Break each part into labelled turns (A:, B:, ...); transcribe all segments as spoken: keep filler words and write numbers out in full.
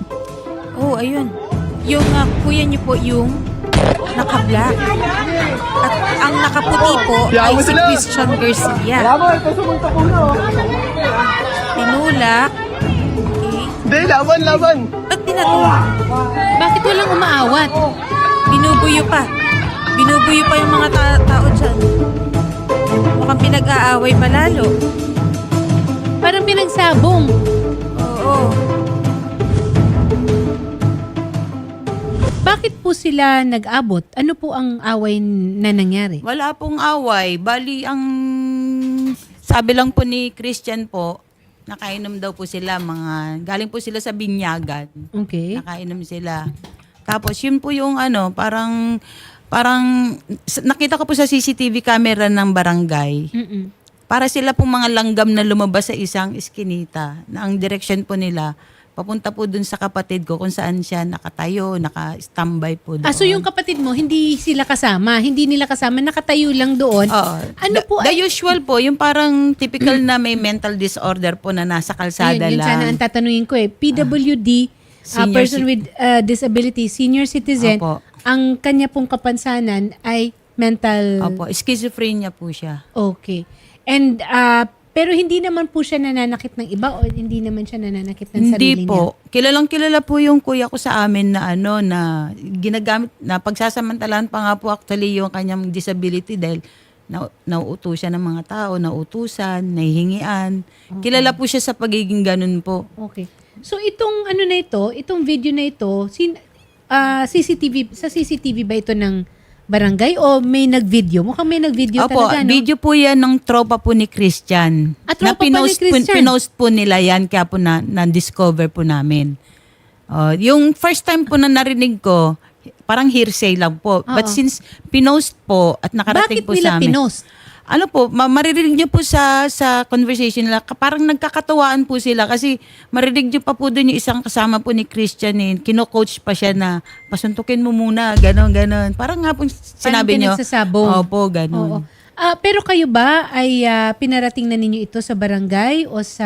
A: Oh, ayun. Yung uh, kuya niyo po yung naka-black. At ang nakaputi po ay si Christian Garcia. Tinulak. Okay.
B: Hindi, laban, laban.
A: Ba't tinatulak?
C: Bakit walang umaawat?
A: Binubuyo pa. Binubuyo pa yung mga ta- tao dyan. Mukhang pinag-aaway pa lalo.
C: Parang pinagsabong.
A: Oo.
C: Bakit po sila nag-abot? Ano po ang away na nangyari?
A: Wala pong away. Bali, ang sabi lang po ni Christian po, nakainom daw po sila. Mga, galing po sila sa binyagan.
C: Okay.
A: Nakainom sila. Tapos, yun po yung ano, parang, parang, s- nakita ko po sa C C T V camera ng barangay.
C: Mm-mm.
A: Para sila pong mga langgam na lumabas sa isang iskinita. Na ang direction po nila, papunta po dun sa kapatid ko kung saan siya nakatayo, naka-standby po doon.
C: Ah, so yung kapatid mo, hindi sila kasama? Hindi nila kasama? Nakatayo lang doon?
A: Oo.
C: Ano
A: the,
C: po
A: The
C: ay-
A: usual po, yung parang typical na may mental disorder po na nasa kalsada
C: Ayun, yun
A: lang.
C: sana ang tatanungin ko eh. P W D, uh,
A: Senior
C: person
A: ci-
C: with uh, disability, senior citizen,
A: Opo.
C: ang kanya pong kapansanan ay mental...
A: Opo, schizophrenia po siya.
C: Okay. And, uh, pero hindi naman po siya nananakit ng iba o hindi naman siya nananakit ng sarili
A: Hindi po. Kilalang kilala po yung kuya ko sa amin na ano, na ginagamit, na pagsasamantalahan pa nga po actually yung kanyang disability dahil na, nauuto siya ng mga tao, nautusan, nahihingian. Kilala po siya sa pagiging ganun po.
C: niya? Okay. So, itong ano na ito, itong video na ito, sin, ah, C C T V, sa C C T V ba ito ng barangay o may nag-video? Mukhang may nag-video
A: Opo,
C: talaga, no?
A: video po yan ng tropa po ni Christian.
C: Ah, tropa pa ni
A: pinost po-
C: Christian?
A: pinost po nila yan, kaya po na, na-discover po namin. Oh, yung first time po na narinig ko, parang hearsay lang po. But
C: Oo.
A: since pinost po at nakarating
C: Bakit
A: po
C: nila
A: sa amin.
C: pinost?
A: Ano po, ma- maririnig niyo po sa sa conversation nila, ka- parang nagkakatuwaan po sila kasi maririnig niyo pa po doon yung isang kasama po ni Christian eh. Kino-coach pa siya na pasuntukin mo muna, gano'n, gano'n. Parang nga po sinabi niyo.
C: pinagsasabong.
A: Opo,
C: Oo.
A: gano'n.
C: Ah, pero kayo ba ay ah, pinarating na ninyo ito sa barangay o sa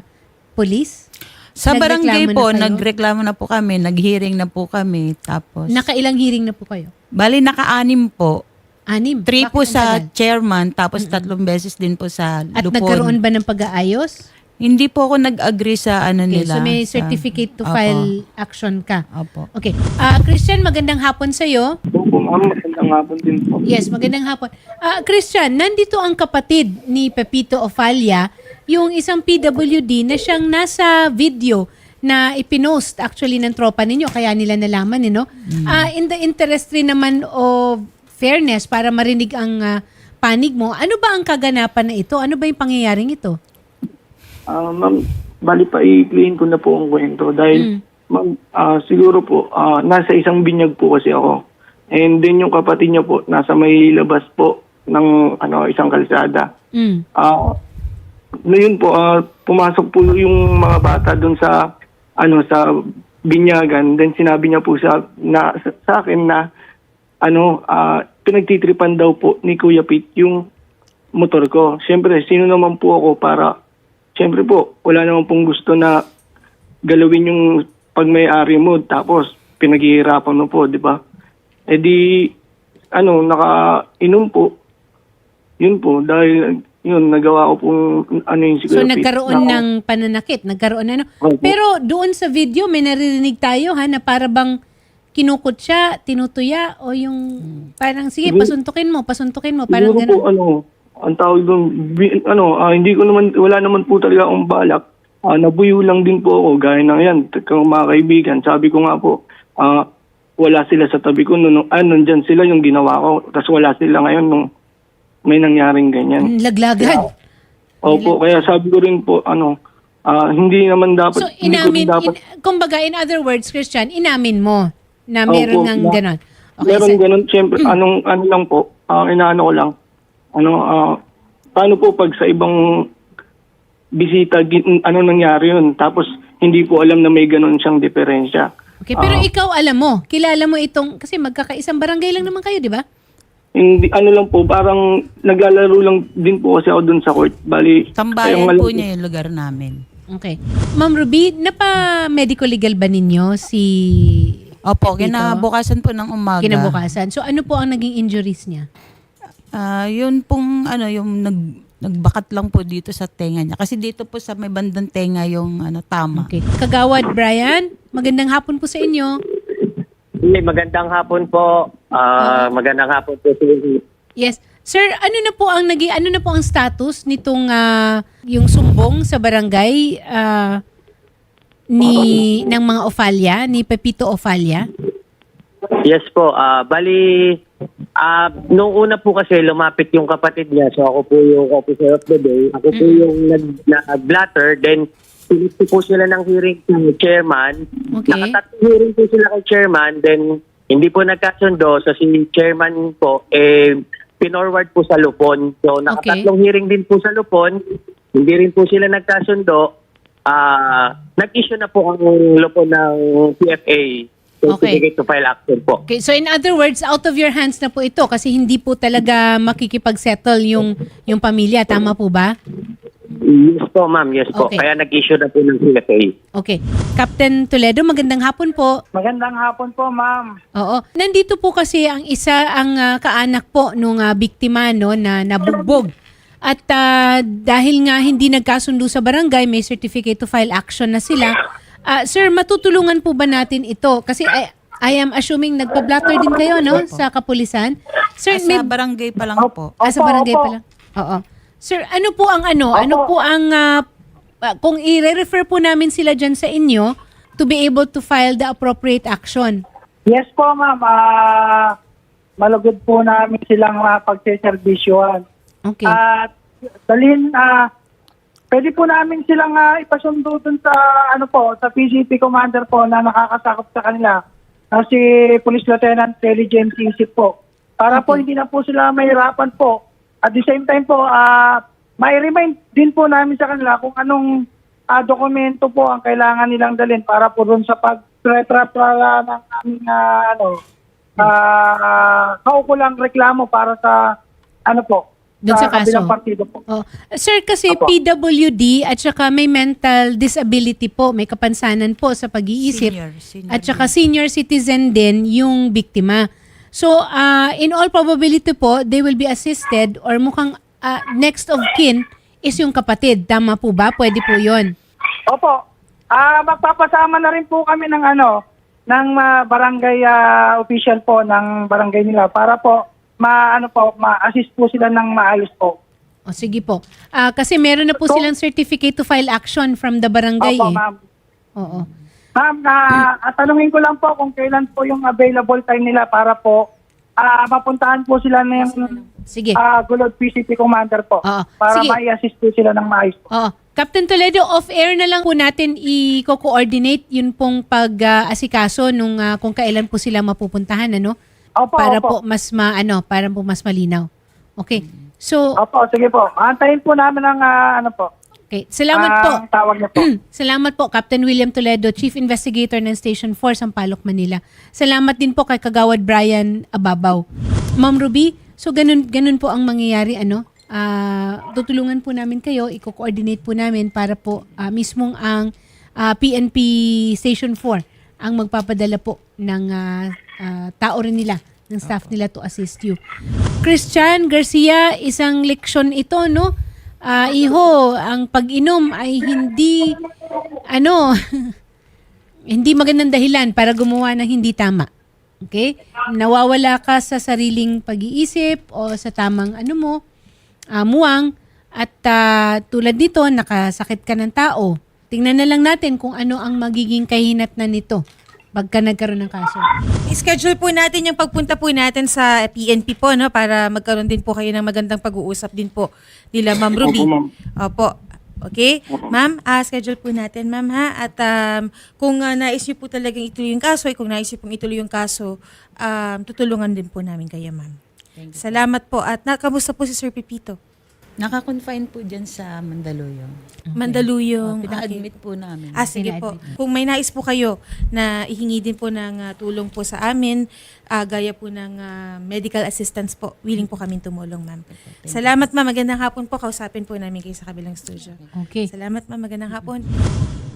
C: police?
A: Sa barangay
C: Nagreklamo
A: po,
C: na kayo?
A: nagreklamo na po kami, nag-hearing na po kami. Tapos,
C: Nakailang hearing na po kayo?
A: bali naka-anim po.
C: Anim.
A: Three
C: Bakit
A: po
C: ang
A: sa
C: tagal?
A: chairman, tapos tatlong beses din po sa
C: At
A: Lupon.
C: nagkaroon ba ng pag-aayos?
A: Hindi po ako nag-agree sa ano
C: Okay,
A: nila.
C: so may
A: sa-
C: certificate to
A: Opo.
C: file action ka.
A: Opo.
C: Okay. Ah, Christian, magandang hapon sa'yo.
B: Opo, ma'am. Magandang hapon din po.
C: Yes, magandang hapon. Ah, Christian, nandito ang kapatid ni Pepito Ofalia, yung isang P W D na siyang nasa video na ipinost actually ng tropa ninyo, kaya nila nalaman, eh, no? Ah, in the interest rin naman of fairness para marinig ang ah, panig mo, ano ba ang kaganapan na ito? Ano ba yung pangyayaring ito?
B: Ah, ma'am, bali pa i-clean ko na po ang kwento dahil ma'am, ah, siguro po ah, nasa isang binyag po kasi ako. And then yung kapatid niya po nasa may labas po ng ano isang kalsada.
C: Mm.
B: Ah, na yun po ah, pumasok po yung mga bata doon sa ano sa binyagan. Then sinabi niya po sa na sa, sa akin na ano ah, pinagtitripan daw po ni Kuya Pete yung motor ko. Siyempre, sino naman po ako para siyempre po, wala naman pong gusto na galawin yung pagmay-ari mo tapos pinaghihirapan mo po, di ba? Eh di, ano, naka-inom po. Yun po, dahil yun, nagawa ko pong ano yung siguro.
C: So nagkaroon ng pananakit, nagkaroon na ano.
B: Opo.
C: Pero doon sa video may naririnig tayo ha na para bang kinukot siya, tinutuya o yung parang sige
B: Siguro-
C: pasuntukin mo, pasuntukin mo, parang
B: Siguro po,
C: ganun.
B: ano, ang tawag doon, bi- ano, ah, hindi ko naman, wala naman po talaga akong balak. Ah, nabuyo lang din po ako, gaya ng yan, kung mga kaibigan. Sabi ko nga po, ah, wala sila sa tabi ko, nung, ah, nandyan sila yung ginawa ko, tapos wala sila ngayon nung may nangyaring ganyan.
C: Laglagan.
B: Opo, kaya sabi ko rin po, ano, ah, hindi naman dapat,
C: So
B: hindi ko
C: inamin,
B: rin dapat,
C: in, kumbaga in other words Christian, inamin mo na meron
B: Opo,
C: ng
B: na-
C: ganon. Okay,
B: meron
C: so-
B: ganun, siyempre, anong, ano lang po, ah, inaano ko lang, ano, ah, paano po pag sa ibang bisita, gin- ano nangyari yun, tapos hindi po alam na may ganun siyang diferensya.
C: Okay, pero
B: Ah.
C: ikaw alam mo, kilala mo itong, kasi magkakaisang barangay lang naman kayo, di ba?
B: Hindi, ano lang po, parang naglalaro lang din po kasi ako dun sa court. Bali,
A: Tambayan
B: kayong alam-
A: po niya yung lugar namin.
C: Okay. Ma'am Ruby, napa-medical legal ba ninyo si
A: Opo,
C: Pepito?
A: kinabukasan po ng umaga.
C: Kinabukasan. So ano po ang naging injuries niya?
A: Ah, yun pong ano, yung nag nagbakat lang po dito sa tenga niya. Kasi dito po sa may bandang tenga yung ano tama.
C: Okay. Kagawad Brian, magandang hapon po sa inyo.
D: Hey, magandang hapon po. Ah, magandang hapon po sa inyo.
C: Yes. Sir, ano na po ang naging ano na po ang status nitong ah, yung sumbong sa barangay ah, ni ng mga Ofalia, ni Pepito Ofalia?
D: Yes po. Ah, bali, ah nung una po kasi lumapit yung kapatid niya. So ako po yung officer of the day. Ako po yung nag- nag-blatter. Then, pinito po sila ng hearing sa chairman.
C: Okay.
D: Nakatatlong hearing po sila kay chairman. Then, hindi po nagkasundo. So si chairman po, eh, pinorward po sa Lupon. So nakatatlong hearing din po sa Lupon. Hindi rin po sila nagkasundo. Ah, nag-issue na po ang Lupon ng P F A. Certificate to file action po.
C: Okay, so in other words, out of your hands na po ito kasi hindi po talaga makikipag-settle yung yung pamilya, tama po ba?
D: Yes po, ma'am. Yes po.
C: Okay.
D: Kaya nag-issue na po ng P F A.
C: Okay. Captain Toledo, magandang hapon po.
B: Magandang hapon po, ma'am.
C: Oo. Nandito po kasi ang isa ang ah, kaanak po nung ah, biktima no na nabugbog. At ah, dahil nga hindi nagkasundo sa barangay, may certificate to file action na sila. Ah, sir, matutulungan po ba natin ito? Kasi I, I am assuming nagpa-blatter din kayo no sa kapulisan. Sir,
A: Ah,
C: may
A: sa barangay pa lang po.
C: ah, sa
B: Opo,
C: barangay
B: opo.
C: pa lang. Oo. Sir, ano po ang ano? Ano po ang ah, ah, kung i-refer po namin sila diyan sa inyo to be able to file the appropriate action?
E: Yes po, ma'am. Ah, malugod po namin silang uh, pagseservisyohan.
C: Okay.
E: At dalhin, ah, pwede po namin silang ah, ipasundo dun sa, ano po, sa P C P commander po na nakakasakop sa kanila. na si Police Lieutenant Intelligence Isip po. Para po hindi na po sila mahirapan po. At the same time po, ah, may remind din po namin sa kanila kung anong ah, dokumento po ang kailangan nilang dalhin para po doon sa pag-retrapala ng aming ah, ano, ah, kaukulang reklamo para sa ano po,
C: Doon sa kaso.
E: kabilang partido po.
C: Oh. Sir, kasi
E: Opo.
C: P W D at saka may mental disability po, may kapansanan po sa pag-iisip.
A: Senior, senior
C: At saka senior citizen din yung biktima. So, ah, in all probability po, they will be assisted or mukhang ah, next of kin is yung kapatid. Tama po ba? Pwede po yon.
E: Opo. Ah, magpapasama na rin po kami ng ano, ng ah, barangay ah, official po ng barangay nila para po ma ano po, ma-assist po sila ng maayos po.
C: O sige po. Ah, kasi meron na po
E: So-
C: silang certificate to file action from the barangay
E: Opo,
C: eh.
E: ma'am.
C: Oo.
E: Ma'am, na at tanungin ko lang po kung kailan po yung available time nila para po ah mapuntahan po sila ng
C: Sige.
E: ah Gulod P C P Commander po
C: Oo.
E: para
C: Sige.
E: ma-assist po sila ng maayos po.
C: Oo. Captain Toledo, off-air na lang po natin i-coordinate yun pong pag-asikaso nung ah, kung kailan po sila mapupuntahan, ano?
E: Opo,
C: Para po
E: opo.
C: mas ma, ano, para po mas malinaw. Okay. So,
E: Opo, sige po. Antayin po namin ang ah, ano po.
C: okay. Salamat po.
E: ang tawag niyo po.
C: Salamat po, Captain William Toledo, Chief Investigator ng Station four, Sampaloc, Manila. Salamat din po kay Kagawad Brian Ababaw. Ma'am Ruby, so ganun, ganun po ang mangyayari, ano? Ah, tutulungan po namin kayo, i-coordinate po namin para po ah, mismong ang ah, P N P Station four ang magpapadala po ng ah, ah, tao rin nila, ng staff nila to assist you. Christian Garcia, isang leksyon ito, no? Ah, iho, ang pag-inom ay hindi, ano, hindi magandang dahilan para gumawa ng hindi tama. Okay? Nawawala ka sa sariling pag-iisip o sa tamang ano mo, ah, muwang, at ah, tulad nito, nakasakit ka ng tao. Tingnan na lang natin kung ano ang magiging kahinatnan nito pagka nagkaroon ng kaso.
F: I-schedule po natin yung pagpunta po natin sa P N P po, no, para magkaroon din po kayo ng magandang pag-uusap din po nila Ma'am Ruby.
B: Opo, ma'am.
F: Opo. Okay? Ma'am, ah, schedule po natin, ma'am, ha? At um, kung uh, nais niyo po talagang ituloy yung kaso, ay kung nais niyo pong ituloy yung kaso, um, tutulungan din po namin kayo, ma'am. Salamat po. At nakamusta po si Sir Pepito?
A: Naka-confine po dyan sa Mandaluyong.
F: Mandaluyong.
A: Oh, pina-admit po namin.
F: Ah, sige po. Kung may nais po kayo na ihingi din po ng ah, tulong po sa amin, ah, gaya po ng ah, medical assistance po, willing po kaming tumulong, ma'am. Salamat, ma'am. Magandang hapon po. Kausapin po namin kayo sa kabilang studio.
C: Okay.
F: Salamat, ma'am. Magandang hapon.